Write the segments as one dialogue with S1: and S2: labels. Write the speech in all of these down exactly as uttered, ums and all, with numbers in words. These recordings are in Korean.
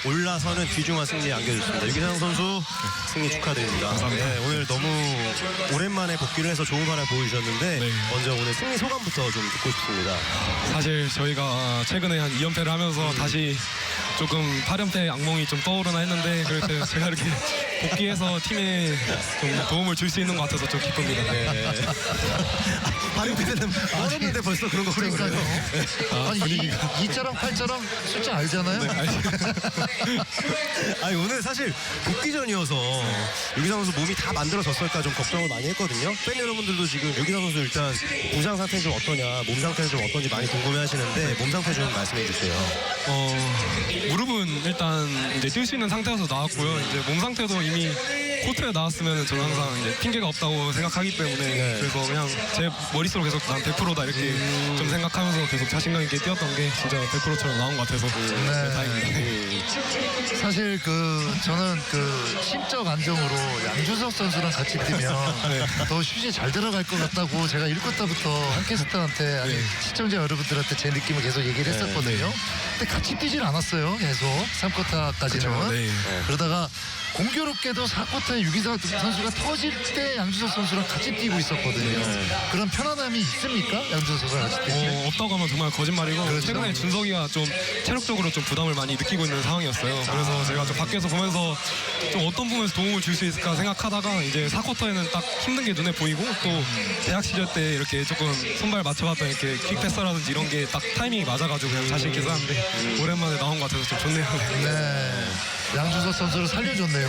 S1: 올라서는 귀중한 승리 안겨줬습니다. 유기상 선수 승리 축하드립니다.
S2: 감사합니다.
S1: 네, 오늘 너무 오랜만에 복귀를 해서 좋은 활약 보여주셨는데
S2: 네.
S1: 먼저 오늘 승리 소감부터 좀 듣고 싶습니다.
S2: 사실 저희가 최근에 한 이 연패를 하면서
S1: 음.
S2: 다시 조금 팔 연패 악몽이 좀 떠오르나 했는데 그렇게 제가 이렇게 복귀해서 팀에 좀 도움을 줄 수 있는 것 같아서 좀 기쁩니다.
S1: 네. 팔 연패 때는 멀었는데 벌써 그런 걱정을 해요.
S2: 아,
S3: 아니
S2: 분위기가.
S3: 이 자랑 팔 자랑 숫자 알잖아요.
S2: 네, 알죠.
S1: 아니 오늘 사실 복귀전이어서 유기상 선수 몸이 다 만들어졌을까 좀 걱정을 많이 했거든요. 팬 여러분들도 지금 유기상 선수 일단 부상 상태 좀 어떠냐, 몸 상태는 좀 어떤지 많이 궁금해하시는데 몸 상태 좀 말씀해 주세요.
S2: 어, 무릎은 일단 이제 뛸 수 있는 상태여서 나왔고요. 이제 몸 상태도 이미 코트에 나왔으면 저는 항상 이제 핑계가 없다고 생각하기 때문에
S1: 네.
S2: 그래서 그냥 제 머릿속으로 계속 난 백 퍼센트다 이렇게
S1: 음.
S2: 좀 생각하면서 계속 자신감 있게 뛰었던 게 진짜 백 퍼센트처럼 나온 것 같아서 네, 다행입니다. 네.
S3: 사실 그 저는 그 심적 안정으로 양준석 선수랑 같이 뛰면
S2: 네.
S3: 더 슛이 잘 들어갈 것 같다고 제가 일 쿼터부터 한캐스터한테 아니
S2: 네.
S3: 시청자 여러분들한테 제 느낌을 계속 얘기를 했었거든요. 근데 같이 뛰질 않았어요. 계속 삼 쿼터까지는.
S2: 그쵸, 네.
S3: 그러다가 공교롭게도 사 쿼터에 유기상 선수가 터질 때 양준석 선수랑 같이 뛰고 있었거든요. 그런 편안함이 있습니까? 양준석 선수랑 같이 뛰면?
S2: 어, 없다고 하면 정말 거짓말이고
S3: 그렇죠.
S2: 최근에 준석이가 좀 체력적으로 좀 부담을 많이 느끼고 있는 상황이었어요. 그래서 제가 좀 밖에서 보면서 좀 어떤 부분에서 도움을 줄 수 있을까 생각하다가 이제 사 쿼터에는 딱 힘든 게 눈에 보이고 또 대학 시절 때 이렇게 조금 손발 맞춰봤던 이렇게 킥패스라든지 이런 게 딱 타이밍이 맞아가지고 그냥 자신 있게 쐈는데 오랜만에 나온 것 같아서 좀 좋네요.
S3: 네. 양준석 선수를 살려줬네요.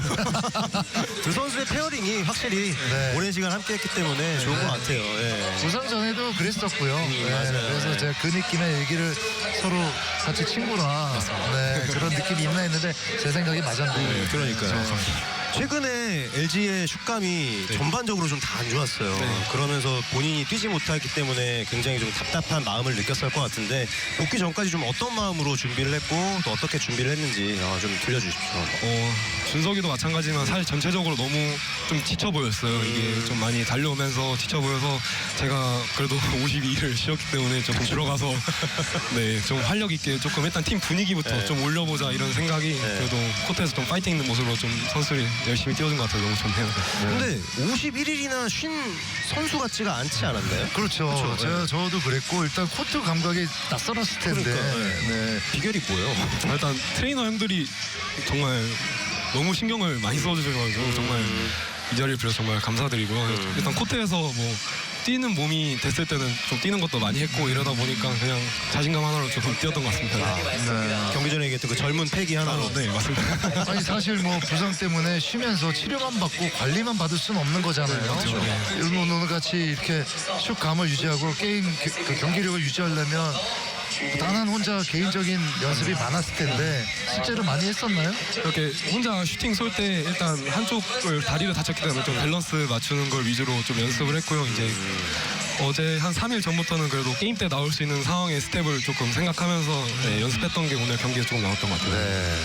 S1: 두 선수의 페어링이 확실히
S3: 네.
S1: 오랜 시간 함께했기 때문에 좋은 것 같아요. 예.
S3: 부상 전에도 그랬었고요. 네,
S1: 맞아요.
S3: 그래서
S1: 네.
S3: 제가 그 느낌의 얘기를 서로 같이 친구라 네, 그런 느낌이 있나 했는데 제 생각이 맞았네요.
S1: 그러니까요. 최근에 엘지의 슛감이 전반적으로 좀 다 안 좋았어요.
S2: 네.
S1: 그러면서 본인이 뛰지 못했기 때문에 굉장히 좀 답답한 마음을 느꼈을 것 같은데 복귀 전까지 좀 어떤 마음으로 준비를 했고 또 어떻게 준비를 했는지 어, 좀 들려주십시오.
S2: 어, 준석이도 마찬가지지만 사실 전체적으로 너무 좀 지쳐 보였어요. 이게 좀 많이 달려오면서 지쳐 보여서 제가 그래도 오십이 일을 쉬었기 때문에 좀 들어가서 네, 좀 활력 있게 조금 일단 팀 분위기부터
S1: 네.
S2: 좀 올려보자 이런 생각이 그래도 코트에서 좀 파이팅 있는 모습으로 좀 선수들이 열심히 뛰어준 것 같아서 너무 좋네요.
S1: 근데 오십일 일이나 쉰 선수 같지가 않지 않았나요?
S3: 그렇죠.
S1: 그렇죠.
S3: 제가 저도 그랬고 일단 코트 감각이 낯설었을 텐데.
S1: 그러니까,
S3: 네.
S1: 비결이 뭐예요?
S2: 일단 트레이너 형들이 정말 너무 신경을 많이 써주셔가지고 정말 이 자리를 빌어서 정말 감사드리고요. 일단 코트에서 뭐 뛰는 몸이 됐을 때는 좀 뛰는 것도 많이 했고 이러다 보니까 그냥 자신감 하나로 조금 뛰었던 것 같습니다.
S3: 네.
S1: 경기 전에 얘기했던 그 젊은 패기 하나로.
S2: 네, 맞습니다.
S3: 아니 사실 뭐 부상 때문에 쉬면서 치료만 받고 관리만 받을 수는 없는 거잖아요.
S2: 그렇죠. 네.
S3: 일본 오늘 같이 이렇게 슛감을 유지하고 게임 겨- 그 경기력을 유지하려면 단한 혼자 개인적인 연습이 많았을 텐데 실제로 많이 했었나요?
S2: 이렇게 혼자 슈팅 쏠 때 일단 한쪽을 다리를 다쳤기 때문에 좀 밸런스 맞추는 걸 위주로 좀 연습을 했고요. 이제 어제 한 삼 일 전부터는 그래도 게임 때 나올 수 있는 상황의 스텝을 조금 생각하면서 네, 연습했던 게 오늘 경기에 조금 나왔던 것 같아요.
S1: 네.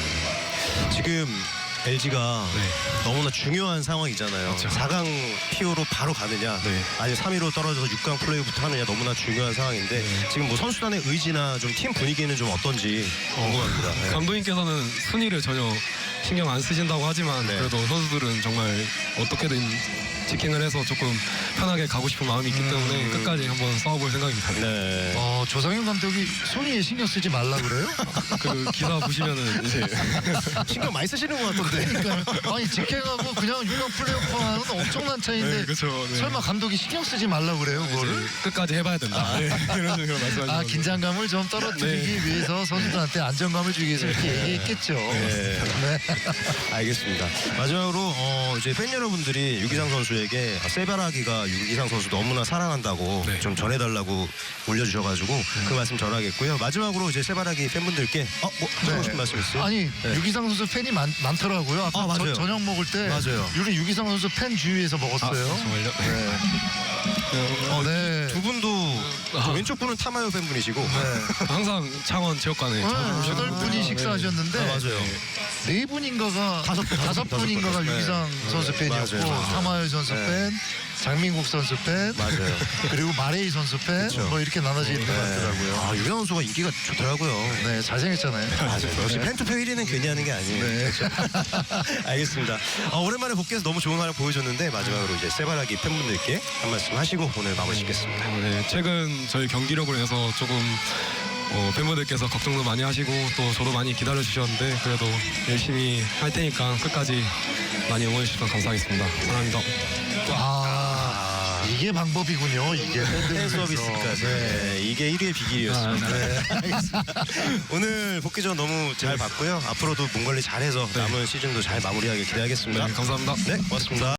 S1: 지금 엘지가 너무나 중요한 상황이잖아요.
S2: 그렇죠.
S1: 사 강 피오로 바로 가느냐,
S2: 네.
S1: 아니 삼 위로 떨어져서 육 강 플레이부터 하느냐 너무나 중요한 상황인데 지금 뭐 선수단의 의지나 좀 팀 분위기는 좀 어떤지 궁금합니다. 네.
S2: 감독님께서는 순위를 전혀 신경 안 쓰신다고 하지만
S1: 네.
S2: 그래도 선수들은 정말 어떻게든 직행을 해서 조금 편하게 가고 싶은 마음이 있기 때문에 끝까지 한번 싸워볼 생각입니다.
S1: 네.
S3: 어, 조상현 감독이 손위에 신경 쓰지 말라 그래요?
S2: 그 기사 보시면은 이제
S1: 신경 많이 쓰시는 것 같던데.
S3: 그러니까 아니 직행하고 그냥 육 강 플레이오프 하는 엄청난 차이인데
S2: 네, 그렇죠. 네.
S3: 설마 감독이 신경 쓰지 말라 그래요 그거를?
S2: 끝까지 해봐야 된다. 네, 그런 식으로 말씀하시는
S3: 아 긴장감을 좀 떨어뜨리기 위해서 선수들한테 안정감을 주기 위해서 이렇게 얘기했겠죠.
S1: 네.
S3: 네.
S1: 알겠습니다. 마지막으로 어, 이제 팬 여러분들이 유기상 선수에게 세바라기가 유기상 선수 너무나 사랑한다고
S2: 네.
S1: 좀 전해달라고 올려주셔가지고 그 말씀 전하겠고요. 마지막으로 이제 세바라기 팬분들께 어, 뭐 하고
S3: 네.
S1: 싶은 말씀 있어요?
S3: 아니
S1: 네.
S3: 유기상 선수 팬이 많, 많더라고요. 아까
S1: 아, 맞아요.
S3: 저, 저녁 먹을 때
S1: 맞아요.
S3: 우리 유기상 선수 팬 주위에서 먹었어요.
S2: 정말요?
S3: 네. 어, 네.
S1: 두 분도 저 왼쪽 분은 타마요 팬분이시고
S3: 네.
S2: 항상 창원 체육관에 자주
S3: 아,
S2: 오시는
S3: 여덟 분이
S2: 분들.
S3: 식사하셨는데
S1: 아, 맞아요.
S3: 네 분인가가
S1: 다섯 분,
S3: 다섯
S1: 다섯 분,
S3: 분인가가
S1: 다섯 분.
S3: 유기상
S1: 네.
S3: 선수
S1: 네.
S3: 팬이었고
S1: 맞아요, 맞아요.
S3: 타마요 선수
S1: 네.
S3: 팬, 장민국 선수 팬,
S1: 맞아요.
S3: 그리고 마레이 선수 팬,
S1: 그쵸.
S3: 뭐 이렇게 나눠지는 것
S1: 네.
S3: 같더라고요.
S1: 아, 유기상 선수가 인기가 좋더라고요.
S3: 네, 잘생겼잖아요.
S1: 맞아요. 역시
S3: 네.
S1: 팬투표 일 위는 괜히 하는 게 아니에요.
S3: 네.
S1: 알겠습니다. 어, 오랜만에 복귀해서 너무 좋은 활약 보여줬는데 마지막으로 이제 세바라기 팬분들께 한 말씀 하시고 오늘 마무리 짓겠습니다.
S2: 네, 최근 저희 경기력으로 해서 조금 어, 팬분들께서 걱정도 많이 하시고 또 저도 많이 기다려 주셨는데 그래도 열심히 할 테니까 끝까지 많이 응원해 주셔서 감사하겠습니다. 사랑합니다.
S3: 아, 이게 방법이군요. 이게
S1: 팬 서비스까지. 네, 이게 일 위의 비길이었습니다.
S2: 아,
S1: 네, 알겠습니다. 오늘 복귀전 너무 잘 봤고요. 앞으로도 몸 관리 잘해서 남은 시즌도 잘 마무리하길 기대하겠습니다.
S2: 네, 감사합니다.
S1: 네, 고맙습니다.